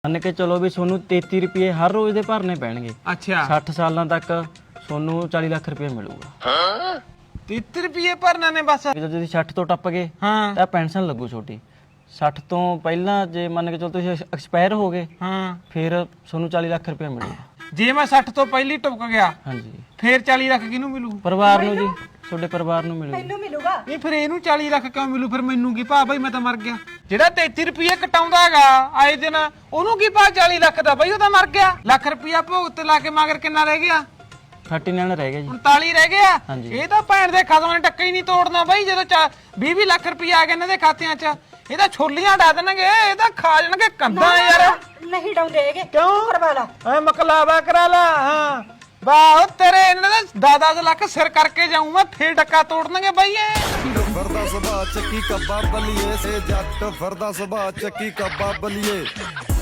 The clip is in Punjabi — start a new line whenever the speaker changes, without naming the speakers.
ਮੰਨ ਕੇ ਚਲੋ ਵੀ ਤੁਹਾਨੂੰ 33 ਰੁਪਏ ਹਰ ਰੋਜ਼ ਦੇ ਭਰਨੇ ਪੈਣਗੇ।
ਅੱਛਾ
60 ਸਾਲਾਂ ਤੱਕ ਤੁਹਾਨੂੰ 40 ਲੱਖ ਰੁਪਏ ਮਿਲੂਗਾ।
33 ਰੁਪਏ ਭਰਨਾ ਨੇ ਬਸ।
ਜਦੋਂ ਤੁਸੀਂ 60 ਤੋਂ ਟੱਪ ਗਏ
ਹਾਂ
ਤਾਂ ਪੈਨਸ਼ਨ ਲੱਗੂ ਛੋਟੀ। 60 ਤੋਂ ਪਹਿਲਾਂ ਜੇ ਮੰਨ ਕੇ ਚਲੋ ਤੁਸੀਂ ਐਕਸਪਾਇਰ ਹੋ ਗਏ
ਹਾਂ
ਫਿਰ ਤੁਹਾਨੂੰ 40 ਲੱਖ ਰੁਪਏ ਮਿਲੂਗਾ।
ਜੇ ਮੈਂ 60 ਤੋਂ ਪਹਿਲੀ ਟੁੱਕ ਗਿਆ
ਹਾਂਜੀ
ਫੇਰ 40 ਲੱਖ ਕਿਹਨੂੰ ਮਿਲੂ?
ਪਰਿਵਾਰ ਨੂੰ ਜੀ, ਤੁਹਾਡੇ ਪਰਿਵਾਰ ਨੂੰ ਮਿਲੂਗਾ।
ਮੈਨੂੰ ਮਿਲੂਗਾ।
ਨਹੀਂ ਫਿਰ ਇਹਨੂੰ 40 ਲੱਖ ਕਿਉਂ ਮਿਲੂ? ਫਿਰ ਮੈਨੂੰ ਕੀ ਭਾ ਬਈ, ਮੈਂ ਤਾਂ ਮਰ ਗਿਆ। ਜਿਹੜਾ 33 ਰੁਪਏ ਕਟਾਉਂਦਾ ਹੈਗਾ ਆਏ ਦਿਨ, ਉਹਨੂੰ ਕੀ ਭਾ 40 ਲੱਖ ਦਾ? ਬਈ ਉਹ ਤਾਂ ਮਰ ਗਿਆ। ਲੱਖ ਰੁਪਇਆ ਭੋਗ ਤੇ ਲਾ ਕੇ ਮਗਰ ਕਿੰਨਾ ਰਹਿ ਗਿਆ?
39 ਰਹਿ ਗਿਆ ਜੀ।
39 ਰਹਿ ਗਿਆ।
ਹਾਂਜੀ।
ਇਹ ਤਾਂ ਭੈਣ ਦੇ ਖਸਮ ਨੇ ਟੱਕਾ ਹੀ ਨਹੀਂ ਤੋੜਨਾ ਬਈ। ਜਦੋਂ 20 ਲੱਖ ਰੁਪਇਆ ਆ ਗਿਆ ਇਹਨਾਂ ਦੇ ਖਾਤਿਆਂ 'ਚ, ਇਹ ਤਾਂ ਛੋਲੀਆਂ ਡਾ ਦੇਣਗੇ, ਇਹ ਤਾਂ ਖਾ ਜਾਣਗੇ ਕੰਧਾਂ ਯਾਰ।
ਨਹੀਂ ਡਾਉਂਦੇ ਹੈਗੇ।
ਕਿਉਂ?
ਕਰਵਾ ਲਾ।
ਐ ਮਕਲਾਵਾ ਕਰਾ ਲਾ। ਹਾਂ ਵਾਹ ਤੇਰੇ ਇਹਨਾਂ ਦਾ 10 ਲੱਖ ਸਿਰ ਕਰਕੇ ਜਾਊਂ ਮੈਂ, ਫੇਰ ਡੱਕਾ ਤੋੜਨਗੇ ਬਈ ਇਹ।
ਫਿਰਦਾ ਸੁਭਾ ਚੱਕੀ ਕੱਬਾ ਬਲੀਏ ਸੇ ਜੱਟ ਫਿਰਦਾ ਸੁਭਾ ਚੱਕੀ ਕੱਬਾ ਬਲੀਏ।